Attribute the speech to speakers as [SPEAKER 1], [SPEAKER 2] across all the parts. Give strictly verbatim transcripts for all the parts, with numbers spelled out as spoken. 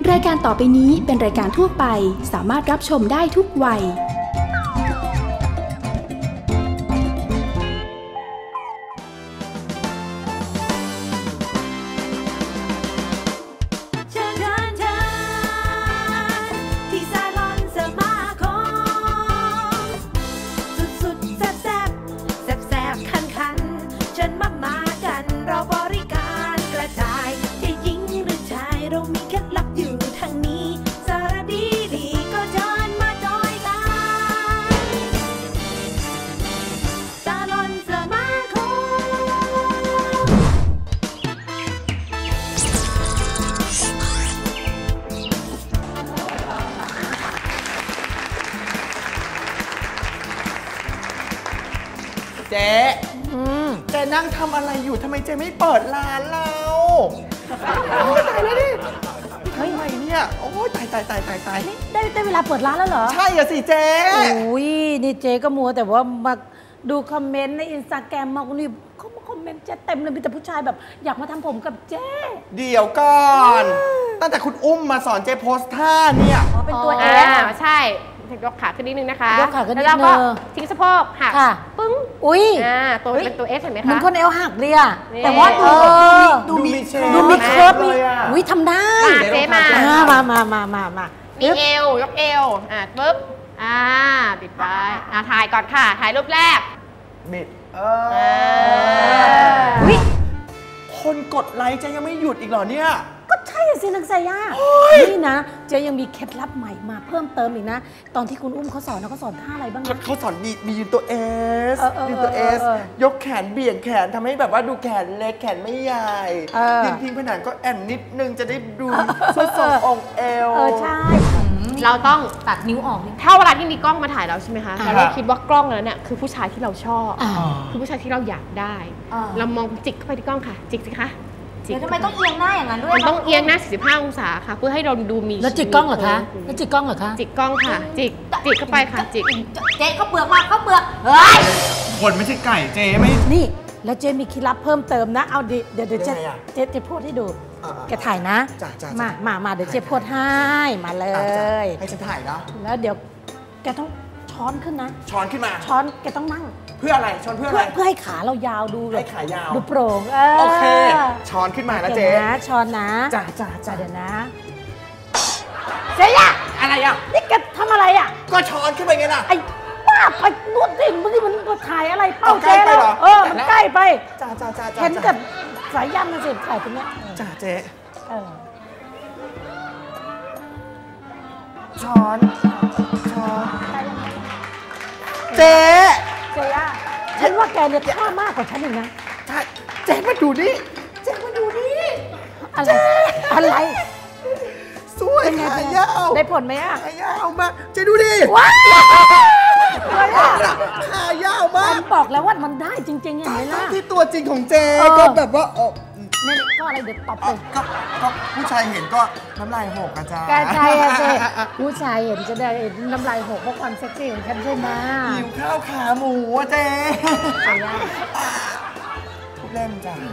[SPEAKER 1] รายการต่อไปนี้เป็นรายการทั่วไปสามารถรับชมได้ทุกวัย
[SPEAKER 2] เจ๊เจ๊นั่งทำอะไรอยู่ทำไมเจ๊ไม่เปิดร้านเราตายแล้วดิทำไมเนี่ยโอ้ยตายตายตายตายตาย
[SPEAKER 3] ได้ได้เวลาเปิดร้านแล้วเหรอ
[SPEAKER 2] ใช่อะสิเจ๊
[SPEAKER 3] โอ้ยนี่เจ๊ก็มัวแต่ว่ามาดูคอมเมนต์ในอินสตาแกรมมาคนนี้เขามาคอมเมนต์เจ๊เต็มเลยมีแต่ผู้ชายแบบอยากมาทำผมกับเจ๊
[SPEAKER 2] เดี๋ยวก่อนตั้งแต่คุณอุ้มมาสอนเจ๊โพสท่าเนี่ย
[SPEAKER 4] อ๋อเป็นตัวเอสใช่ยกขาขึ้นนิดนึงนะคะ
[SPEAKER 3] ยกขาขึ้นนิดนึง
[SPEAKER 4] แล้วก็ทิ้งสะโพกหักปึ้ง
[SPEAKER 3] อุ้ย
[SPEAKER 4] อ่าตัวเป็นตัวเอสเห็นไหมคะ
[SPEAKER 3] มันคนเอวหักเลยอะแต่ว่า
[SPEAKER 2] ดูมี
[SPEAKER 3] ดูมีเคิร์ฟมีอุ้ยทำได้
[SPEAKER 4] เจ๊มา
[SPEAKER 3] มามามามามา
[SPEAKER 4] มีเอวยกเอวอ่าปึ๊บอ่าบิดไปอ่าถ่ายก่อนค่ะถ่ายรูปแรก
[SPEAKER 2] บิดเออคนกดไลค์เจ๊ยังไม่หยุดอีกเหรอเนี่ย
[SPEAKER 3] ก็ใช่สินักสายานี่นะเจ๊ยังมีเคล็ดลับใหม่มาเพิ่มเติมอีกนะตอนที่คุณอุ้มเขาสอนนะเขาสอนท่าอะไรบ้าง
[SPEAKER 2] เขาสอนมีมียืนตัวเอสยืนตัวเอสยกแขนเบี่ยงแขนทำให้แบบว่าดูแขนเล็กแขนไม่ใหญ่ยืนพิงผนังก็แอนนิดนึงจะได้ดูส่วนทรงองค์เอว
[SPEAKER 3] เออใช่
[SPEAKER 4] เราต้อง
[SPEAKER 3] ตัดนิ้วออก
[SPEAKER 4] ถ้าเวลาที่มีกล้องมาถ่ายเราใช่ไหมคะเราคิดว่ากล้องนั้นเนี่ยคือผู้ชายที่เราชอบคือผู้ชายที่เราอยากได้เรามองจิกเข้าไปที่กล้องค่ะจิกสิคะ
[SPEAKER 5] เดี๋ยวทำไมต้องเอียงหน้าอย่างนั้นด้วย
[SPEAKER 4] มันต้องเอียงหน้าสี่สิบห้าองศาค่ะเพื่อให้เราดูมี
[SPEAKER 3] แล้วจิกกล้องเหรอคะแล้วจิกกล้องเหรอคะ
[SPEAKER 4] จิกกล้องค่ะจิกจิกเข้าไปค่ะจิก
[SPEAKER 5] เจ๊เขาเปลือกมาเขาเปลือกเฮ้ย
[SPEAKER 2] คนไม่ใช่ไก่เจ๊ไม่
[SPEAKER 3] นี่แล้วเจ๊มีเคล็ดลับเพิ่มเติมนะเอาดิเดี๋ยวเดี๋ยวเจ๊เจ๊เจ๊พูดให้ดูแกถ่ายนะมามามาเดี๋ยวเจ๊พูดให้มาเลย
[SPEAKER 2] ให้ฉันถ่ายนะ
[SPEAKER 3] แล้วเดี๋ยวแกต้องช้อนขึ้นนะ
[SPEAKER 2] ช้อนขึ้นมา
[SPEAKER 3] ช้อนแกต้องนั่ง
[SPEAKER 2] เพื่ออะไรช้อนเพื่ออะไร
[SPEAKER 3] เพื่อให้ขาเรายาวดู
[SPEAKER 2] ให้ขายาว
[SPEAKER 3] ดูโปร่ง
[SPEAKER 2] โอเคช้อนขึ้นมานะเจ๊
[SPEAKER 3] นะช้อนนะ
[SPEAKER 2] จ้าจ้าจ้า
[SPEAKER 3] เดี๋ยวนะเจ๊อะ
[SPEAKER 2] อะไรอ่ะ
[SPEAKER 3] นี่แกทำอะไรอ่ะ
[SPEAKER 2] ก็ช้อนขึ้นไปไงล่ะ
[SPEAKER 3] ไอ้บ้าไปนวดดิมันนี่มันถ่ายอะไรเป้าเจ๊แล้วเออมันใกล้ไป
[SPEAKER 2] จ้าจ้าจ้า
[SPEAKER 3] เห็นกับสายยันนะสิถ่ายตรงนี้
[SPEAKER 2] จ้าเจ๊ช้อนช้อนเจ๊
[SPEAKER 3] เจ๊อะฉันว่าแกเนี่ยท่ามากกว่าฉันอีกนะ
[SPEAKER 2] ใช่เจ๊มาดูนี่เจ๊มาดูนี่
[SPEAKER 3] อะไรอะไร
[SPEAKER 2] สวยขายาว
[SPEAKER 3] ได้ผลไหมอะ
[SPEAKER 2] ขายาวมากเจ๊ดูดิ
[SPEAKER 3] ว้าว
[SPEAKER 2] ขายาวมาก
[SPEAKER 3] ฉันบอกแล้วว่ามันได้จริงๆอย่างนี้ล่ะ
[SPEAKER 2] ที่ตัวจริงของเจ๊ก็แบบว่า
[SPEAKER 3] นี่ก็อะไรเดี๋ยวตอบเลย
[SPEAKER 2] ก็ผู้ชายเห็นก็น้ำลายหกอาจารย์
[SPEAKER 3] กใช่อะเจ๊ผู้ชายเห็นจะได้น้ำลายหกเพราะความเซ็กซี่ของฉันใช่ไหม
[SPEAKER 2] หิวข้าวขาหมูอะเจ๊ทุกเล่มจ้ะ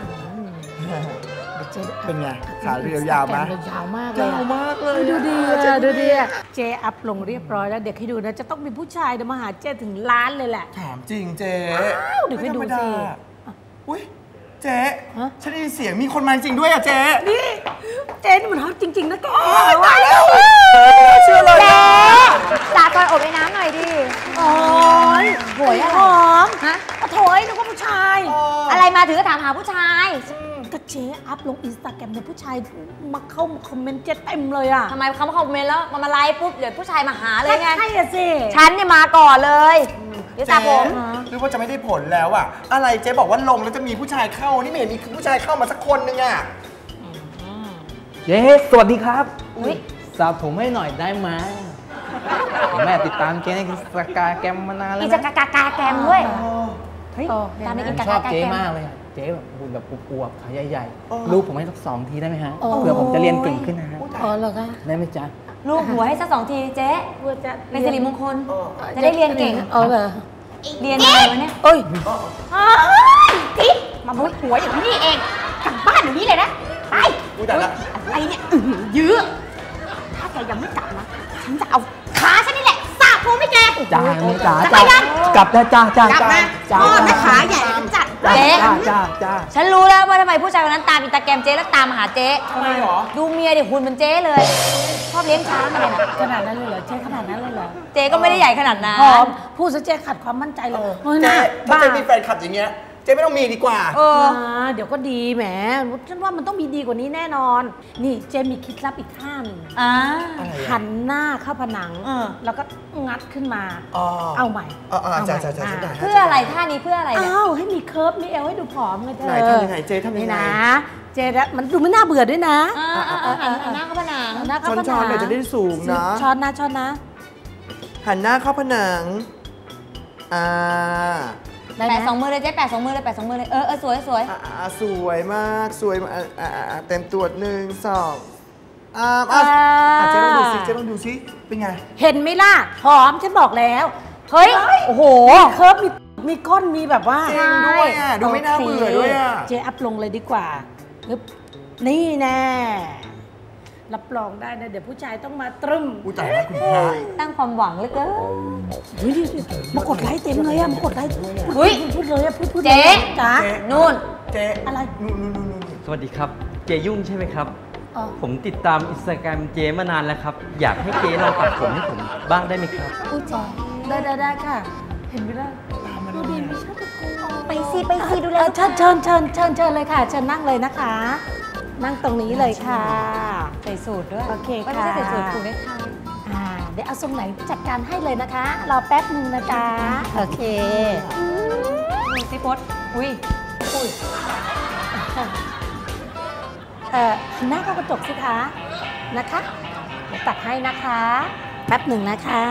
[SPEAKER 2] เป็นไงขาเรียวยาวไหม
[SPEAKER 3] ยาวมากเลย
[SPEAKER 2] ยาวมากเลย
[SPEAKER 3] ดูดีดูดีเจ๊อัพลงเรียบร้อยแล้วเด็กให้ดูนะจะต้องมีผู้ชายมาหาเจ๊ถึงล้านเลยแหละ
[SPEAKER 2] ถามจริงเจ๊
[SPEAKER 3] เดี๋ยวให้ดูสิ
[SPEAKER 2] อุ้ยเจ๊ฉันได้ยินเสียงมีคนมาจริงด้วยอะเจ๊
[SPEAKER 3] นี่เจ๊นี่มันฮอตจริงๆนะแก
[SPEAKER 2] ตายแล้วเชื่อเลย
[SPEAKER 5] เจ๊สาดก่อนอบไอ้น้ำหน่อยดิ
[SPEAKER 3] โอ้ยหวยหอมฮะโถยนึกว่าผู้ชาย
[SPEAKER 5] อะไรมาถึงก็ถามหาผู้ชาย
[SPEAKER 3] ก็เจ๊อัพลงอินสตาแกรมเนี่ยผู้ชายมาเข้ามาคอมเมนต์เจ๊เต็มเลยอะ
[SPEAKER 5] ทำไมเขามาคอมเมนต์แล้วมามาไลฟ์ปุ๊บเดี๋ยวผู้ชายมาหาเลยไง
[SPEAKER 3] ใช่สิ
[SPEAKER 5] ฉันเนี่ยมาก่อนเลยเดี๋ยวตาผม
[SPEAKER 2] หรือว่าจะไม่ได้ผลแล้วอะอะไรเจ๊บอกว่าลงแล้วจะมีผู้ชายเข้านี่ไม่เห็นมีผู้ชายเข้ามาสักคนนึงอะ
[SPEAKER 6] เจ๊สวัสดีครับสาวผมให้หน่อยได้ไหมแม่ติดตามเจ๊ในสกาแกรมมานานแล้ว
[SPEAKER 5] นะจะกากากาแกรมด้วย
[SPEAKER 6] เฮ้ยตามในกินกากาแกรมชอบเจ๊มากเลยเจ๊แบบหุ่นแบบอวบๆขาใหญ่ๆลูกผมให้สักสองทีได้ไหมฮะเผื่อผมจะเรียนเก่งขึ้นนะฮะ
[SPEAKER 3] อ๋อเหรอคะ
[SPEAKER 6] ได้ไหมจ๊ะ
[SPEAKER 5] ลูกหัวให้สักสองทีเจ๊เป็นสิริมงคลจะได้เรียนเก่ง
[SPEAKER 3] อ๋อเหรอ
[SPEAKER 5] เรียนอะไรวะเนี่ย
[SPEAKER 3] เอ้ย
[SPEAKER 5] จิ๊บมาบุ้ยหัวอย่างนี้เองกลับบ้านอย่างนี้เลยนะไป
[SPEAKER 2] อุ้ยแต่ละ
[SPEAKER 5] อะไรเนี่ยยื้อแกยังไม่กลับนะฉันจะเอาขาฉันนี่แหละสาบผมให้แก
[SPEAKER 6] จ้าจ้า
[SPEAKER 5] จะ
[SPEAKER 6] จ้า
[SPEAKER 5] ไปยัง
[SPEAKER 6] กลับแล้วจ้าจ้าก
[SPEAKER 5] ลับมา
[SPEAKER 6] จ้า
[SPEAKER 5] พ่อแม่ขาใหญ่กันจัดเจ๊
[SPEAKER 6] จ้าจ้าจ้า
[SPEAKER 5] ฉันรู้แล้วว่าทำไมผู้ชายคนนั้นตามอินสตาแกรมเจ๊แล้วตามมาหาเจ๊
[SPEAKER 2] ทำไมหรอ
[SPEAKER 5] ดูเมียดิหุ่นเหมือนเจ๊เลยชอบเลี้ยงช้างอะไรน่ะ
[SPEAKER 3] ขนาดนั้นเลยเหรอเจ๊ขนาดนั้นเลยเหรอ
[SPEAKER 5] เจ๊ก็ไม่ได้ใหญ่ขนาดนั้น
[SPEAKER 3] หอมพูดซะเจ๊ขัดความมั่นใจเลยเฮ้ย
[SPEAKER 2] เจ๊
[SPEAKER 3] นะ
[SPEAKER 2] ถ้า
[SPEAKER 3] บ้า
[SPEAKER 2] เจ๊มีแฟนคลับอย่างเงี้ยเจ๊ไม่ต้องมีดีกว่า
[SPEAKER 5] เออ
[SPEAKER 3] อ่าเดี๋ยวก็ดีแหมฉันว่ามันต้องมีดีกว่านี้แน่นอน นี่เจ๊มีเคล็ดลับอีกข้าง
[SPEAKER 5] อ่า
[SPEAKER 3] หันหน้าเข้าผนัง
[SPEAKER 5] เออ
[SPEAKER 3] แล้วก็งัดขึ้นมา
[SPEAKER 2] อ๋อ
[SPEAKER 3] เอาใหม่
[SPEAKER 2] อ๋ออ๋อ
[SPEAKER 3] เอาให
[SPEAKER 2] จ้า
[SPEAKER 3] ม่
[SPEAKER 2] จ้าจ้า
[SPEAKER 3] อ่
[SPEAKER 2] ได้
[SPEAKER 5] เพื่ออะไรท่านี้เพื่ออะไรเนี่ย
[SPEAKER 3] อ้าวให้มีเคิร์ฟมีเอวให้ดูผอมไงเธอ
[SPEAKER 2] ไหนทำยังไงเจ๊ทำยังไง
[SPEAKER 3] นี่นะ เจ๊นะมันดูไม่น่าเบื่อด้วยนะ
[SPEAKER 5] อ่าอ่าอ่าหันหันหน้าเข้าผนัง
[SPEAKER 3] หันหน้าเข้าผนัง
[SPEAKER 2] ช้อนๆเดี๋ยวจะได้สูงนะ
[SPEAKER 3] ช้อนนะช้อนนะ
[SPEAKER 2] หันหน้าเข้าผนังอ่า
[SPEAKER 3] ได้ไหม
[SPEAKER 5] แปะสองมือเลยเจ๊แปะสองมือเลยแปะสองมือเลย เออเออสวยสวย
[SPEAKER 2] อ่าอ่าสวยมากสวยมากอ่าอ่าอ่าเต็มตัวหนึ่งสองอ่าอ่าอ่าเจ๊ต้องดูซิเจ๊ต้องดูซิเป็นไง
[SPEAKER 3] เห็นไหมล่ะผอมฉันบอกแล้ว
[SPEAKER 5] เฮ้ย โอ้โห
[SPEAKER 3] เคิร์ฟมีมีก้นมีแบบว่า
[SPEAKER 2] จริงด้วยอ่ะดูไม่น่าเบื่อด้วยอ่ะ
[SPEAKER 3] เจ๊อัพลงเลยดีกว่าปึ๊บนี่แน่รับรองได้นะ เดี๋ยวผู้ชายต้องมาตรึม
[SPEAKER 2] อุ้ยตายแล้วคุณพระ
[SPEAKER 5] ตั้งความหวังเหลือเกิน
[SPEAKER 3] เฮ้ยมากดไลค์เต็มเลยอะมากดไลค์
[SPEAKER 5] เฮ้ย
[SPEAKER 3] พูดเลยอะพูดพูด
[SPEAKER 5] เจ๊
[SPEAKER 3] เลยจ้า
[SPEAKER 2] เจ๊
[SPEAKER 5] นู่น
[SPEAKER 2] เจ๊
[SPEAKER 3] อะไร
[SPEAKER 2] นู่นนู่นนู่นนู่น
[SPEAKER 6] สวัสดีครับ เจยุ่งใช่ไหมครับ
[SPEAKER 3] อ๋อ
[SPEAKER 6] ผมติดตามอินสตาแกรมเจมานานแล้วครับ อยากให้เจลองตัดผมให้ผมบ้างได้ไหมครับ
[SPEAKER 3] อุ้ยจ้าได้ได้ได้ค่ะ เห็นไหมล่ะดูดีไม่ใช่ตะโกน
[SPEAKER 5] ไปสิไปสิดูแล
[SPEAKER 3] เออเชิญเชิญเชิญเชิญเชิญเลยค่ะเชิญนั่งเลยนะคะ นั่งตรงนี้เลยค่ะ
[SPEAKER 5] ใส่สูตรด้วย
[SPEAKER 3] โอเค
[SPEAKER 5] ไม่
[SPEAKER 3] ค่ะ
[SPEAKER 5] ใช่ใส่สูตรผูกได้ค่ะ
[SPEAKER 3] อ่าเดี๋ยวเอาทรงไหนจัดการให้เลยนะคะ รอแป๊บนึงนะจ๊ะโอเค
[SPEAKER 5] ดูสิพดอุ้ย
[SPEAKER 3] อุ้ยเอ่อหันหน้าเข้ากระจกสิคะนะคะเดี๋ยวตัดให้นะคะ แป๊บหนึ่งนะคะ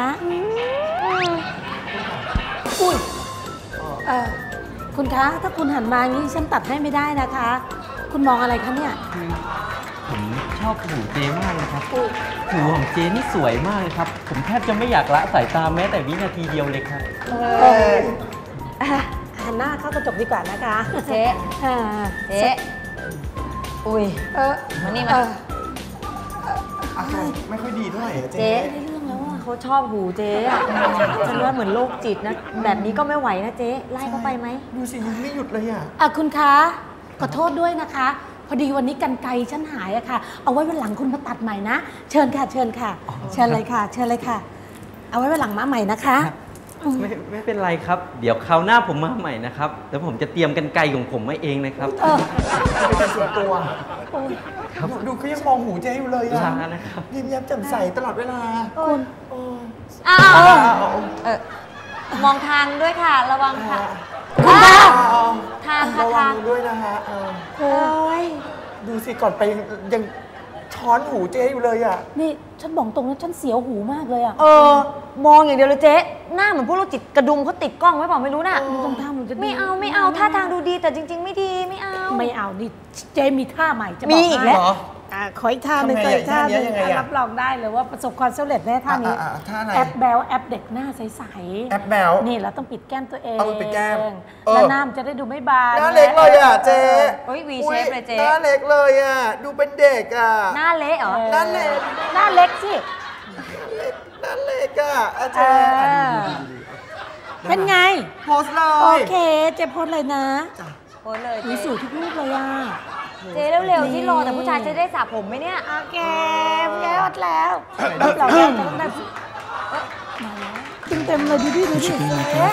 [SPEAKER 3] อุ้ยเอ่อคุณคะถ้าคุณหันมาอย่างนี้ฉันตัดให้ไม่ได้นะคะ คุณมองอะไรคะเนี่ย
[SPEAKER 6] ผมชอบหูเจมากเลยครับหูของเจนี่สวยมากเลยครับ ผมแทบจะไม่อยากละสายตาแม้แต่วินาทีเดียวเลยครับ
[SPEAKER 2] เอ้ย
[SPEAKER 3] หันหน้าเข้ากระจกดีกว่านะคะ
[SPEAKER 5] เจ๊
[SPEAKER 3] อ่า
[SPEAKER 5] เจ๊อุ้ย
[SPEAKER 3] เออ
[SPEAKER 5] มานี่
[SPEAKER 3] เอ
[SPEAKER 5] มา
[SPEAKER 3] อ
[SPEAKER 2] อาการไม่ค่อยดีเท่าไหร่อะ
[SPEAKER 5] เจ๊
[SPEAKER 2] เจ๊
[SPEAKER 3] ได้เรื่องแล้วอ่ะ
[SPEAKER 5] เขาชอบหูเจ๊อะฉันว่าเหมือนโรคจิตนะ แบบนี้ก็ไม่ไหวนะเจ๊ไล่เขาไปไหม
[SPEAKER 2] ดูสิยิ้มไม่หยุดเลยอ่ะ
[SPEAKER 3] อ่ะคุณคะขอโทษด้วยนะคะ พอดีวันนี้กันไกรฉันหายอะค่ะ เอาไว้วันหลังคุณมาตัดใหม่นะ เชิญค่ะ เชิญค่ะ เชิญเลยค่ะ เชิญเลยค่ะ เอาไว้วันหลังมาใหม่นะคะอืม
[SPEAKER 6] ไม่ไม่เป็นไรครับ เดี๋ยวคราวหน้าผมมาใหม่นะครับแล้วผมจะเตรียมกันไกลของผมมาเองนะครับ
[SPEAKER 3] เออ
[SPEAKER 2] เป็นส่วนตัว
[SPEAKER 3] โอ้ย
[SPEAKER 2] ดูเขายังมองหูเจ๊อยู่เลยอ่ะ
[SPEAKER 6] ลานะครับ
[SPEAKER 2] ยิ้มแย้มแจ่มใสตลอดเวลา
[SPEAKER 3] คุณ
[SPEAKER 2] โอ้
[SPEAKER 5] อ้าว
[SPEAKER 2] เอาเอาเอา
[SPEAKER 5] เออมองทางด้วยค่ะ ระวังค่ะ
[SPEAKER 3] คุณคะ
[SPEAKER 2] เอา
[SPEAKER 5] ทางค่ะ
[SPEAKER 2] ระวั
[SPEAKER 5] ทาง ง
[SPEAKER 2] ด้วยนะฮะเออ
[SPEAKER 5] โอ้ย
[SPEAKER 2] ดูสิก่อนไปยังยังช้อนหูเจ๊อยู่เลยอ่ะ
[SPEAKER 3] นี่ฉันบอกตรงนะฉันเสียวหูมากเลยอะ
[SPEAKER 5] เออ มองอย่างเดียวเลยเจ๊หน้าเหมือนพวกโรคจิตกระดุมเขาติดกล้องไว้เปล่าไม่รู้น่ะ
[SPEAKER 3] ตรงท่ามันจะดี
[SPEAKER 5] ไม่เอาไม่เอาท่าทางดูดีแต่จริง ๆ ไม่ดีไม่เอา
[SPEAKER 3] ไม่เอานี่เจมีท่าใหม่จะบอก
[SPEAKER 5] มีอีกแล้ว
[SPEAKER 3] ให้
[SPEAKER 2] เหรอ
[SPEAKER 3] อ่ะขออีกท่าหนึ่ง
[SPEAKER 2] ทำไง
[SPEAKER 3] ขออีกท่าหนึ่ง
[SPEAKER 2] อย่างเงี้ยยังไงอะ
[SPEAKER 3] รับรองได้เลยว่าประสบความสำเร็จแน่ท่านี้
[SPEAKER 2] อ่ะอ่ะอ่ะท่าไหน
[SPEAKER 3] แอปแบลแอปเด็กหน้าใสๆ
[SPEAKER 2] แอปแบล
[SPEAKER 3] นี่เราต้องปิดแก้มตัวเอง
[SPEAKER 2] เอาปิดแก้มเออ
[SPEAKER 3] แล้วหน้ามันจะได้ดูไม่บาน
[SPEAKER 2] หน้าเล็กเลยอ่ะเจ๊
[SPEAKER 5] เฮ้ย V
[SPEAKER 2] อุ๊
[SPEAKER 5] shape เลยเจ๊
[SPEAKER 2] หน้าเล็กเลยอ่ะ ดูเป็นเด็กอ่ะ
[SPEAKER 5] หน้าเละเหรอ
[SPEAKER 2] หน้าเล็ก
[SPEAKER 3] หน้าเล็กสิ
[SPEAKER 2] หน้าเล็กอ่ะอา
[SPEAKER 3] เอ
[SPEAKER 2] เจ๊
[SPEAKER 3] อเป็นไง
[SPEAKER 2] โพสต์เล
[SPEAKER 3] โอย เคเจ๊โพสเลยนะ
[SPEAKER 5] โอ้ยเลย
[SPEAKER 3] หนู
[SPEAKER 5] เจ๊
[SPEAKER 3] สวยทุกรูปเลยอ่ะ
[SPEAKER 5] เจ๊เร็วๆที่รอแต่ผู้ชายจะได้สระผมไหมเนี่ย
[SPEAKER 3] โอเคแก้วแล้วรับรองได้ต้องได้มาแล้วเต็มๆเลยดูดิดูดิเจ๊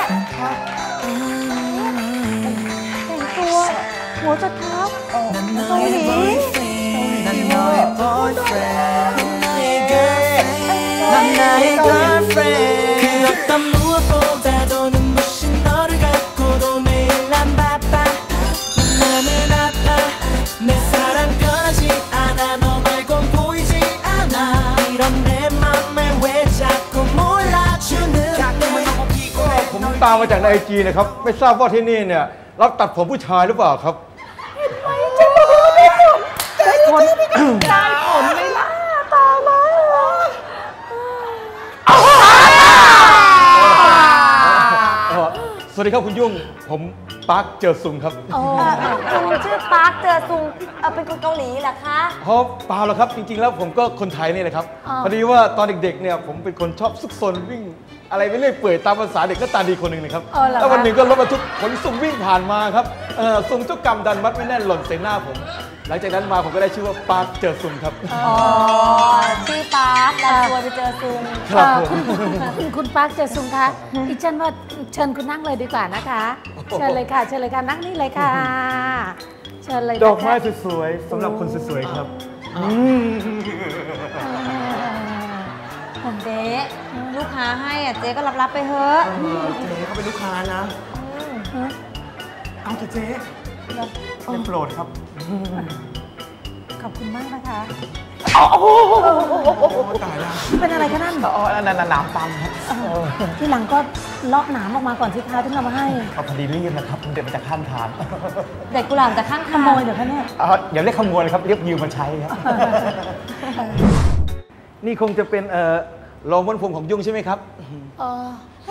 [SPEAKER 3] แต่งตัวหัวจดเท้าเกาหลี
[SPEAKER 2] นั่นน้อย boyfriend 난 나의 girlfriend 그 어떤 무엇보다도 눈부신 너를 갖고도 매일 난 바빠 나는 아파 내 사랑 변하지 않아 너 말곤 보이지 않아 이런 내 맘을 왜 자꾸 몰라주는
[SPEAKER 7] ผมตามมาจากในไอจีนะครับ ไม่ทราบว่าที่นี่เนี่ยรับตัดผมผู้ชายหรือเปล่าครับ
[SPEAKER 3] ได้ผลได้ผลไหมล่ะตาแล้ว
[SPEAKER 7] เอ่อสวัสดีครับคุณยุ่งผมปาร์คเจอซุงครับ
[SPEAKER 5] เออคุณชื่อปาร์คเจอซุงเอ่อเป็นคนเกาหลีเหรอคะ
[SPEAKER 7] เพราะเปล่าหรอกครับจริงๆแล้วผมก็คนไทยนี่แหละครับพอดีว่าตอนเด็กๆเนี่ยผมเป็นคนชอบซุกซนวิ่งอะไรไปเรื่อยเปื่อยตามภาษาเด็กก็ตาดีคนหนึ่งนะครับแล้ววันหนึ่งก็รถบรรทุกขนสุ่มวิ่งผ่านมาครับเออสุ่มเจ้ากรรมดันมัดไม่แน่นหล่นใส่หน้าผมหลังจากนั้นมาผมก็ได้ชื่อว่าปาร์คเจอซุงครับ
[SPEAKER 5] อ๋อชื่อปาร์คดันตัวไปเจอซุง
[SPEAKER 7] ครับผม
[SPEAKER 3] คุณคุณปาร์คเจอซุงคะอีฉันว่าเชิญคุณนั่งเลยดีกว่านะคะเชิญเลยค่ะเชิญเลยค่ะนั่งนี่เลยค่ะเชิญเลยนะคะ
[SPEAKER 7] ดอกไม้สวยๆสำหรับคนสวยๆครับ
[SPEAKER 5] เจ๊ลูกค้าให้อ่ะเจ๊ก็รับรับๆไปเถอะ
[SPEAKER 2] เจ๊เขาเป็นลูกค้านะ เอาเถอะเจ๊ได้โปรดครับ
[SPEAKER 3] ขอบคุณมากนะคะ
[SPEAKER 2] โอ้ตายแล้ว
[SPEAKER 3] เป็นอะไรคะนั่น
[SPEAKER 2] อ๋อนั่นน้ำปั๊มครับ
[SPEAKER 3] ที่หลังก็เลาะหนามออกมาก่อนสิคะที่เรามาให้
[SPEAKER 2] เอาพอดีรีบนะครับเดี๋ยวมันจะข้ามทาง
[SPEAKER 5] เด็กกุหลาบจากข้าง
[SPEAKER 3] ข
[SPEAKER 5] ทาง
[SPEAKER 3] โมยเดี๋ยวคะเนี่ย
[SPEAKER 2] อ๋ออย่าเรียกขโมยเลยครับเรียกยืมมาใช้ครับ
[SPEAKER 7] นี่คงจะเป็นเอ่อรองม้วนผมของยุ่งใช่ไหมครับ
[SPEAKER 3] เออ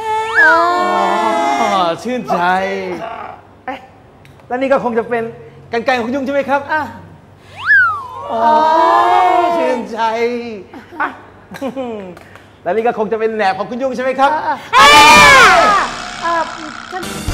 [SPEAKER 7] อ๋อชื่นใจเอ๊ะแล้วนี่ก็คงจะเป็นกรรไกรของยุ่งใช่ไหมครับ
[SPEAKER 3] อ่ะ
[SPEAKER 7] อ๋อชื่นใจอ่ะแล้วนี่ก็คงจะเป็นแหนบของคุณยุ่งใช่ไหมครับ
[SPEAKER 3] เออฉัน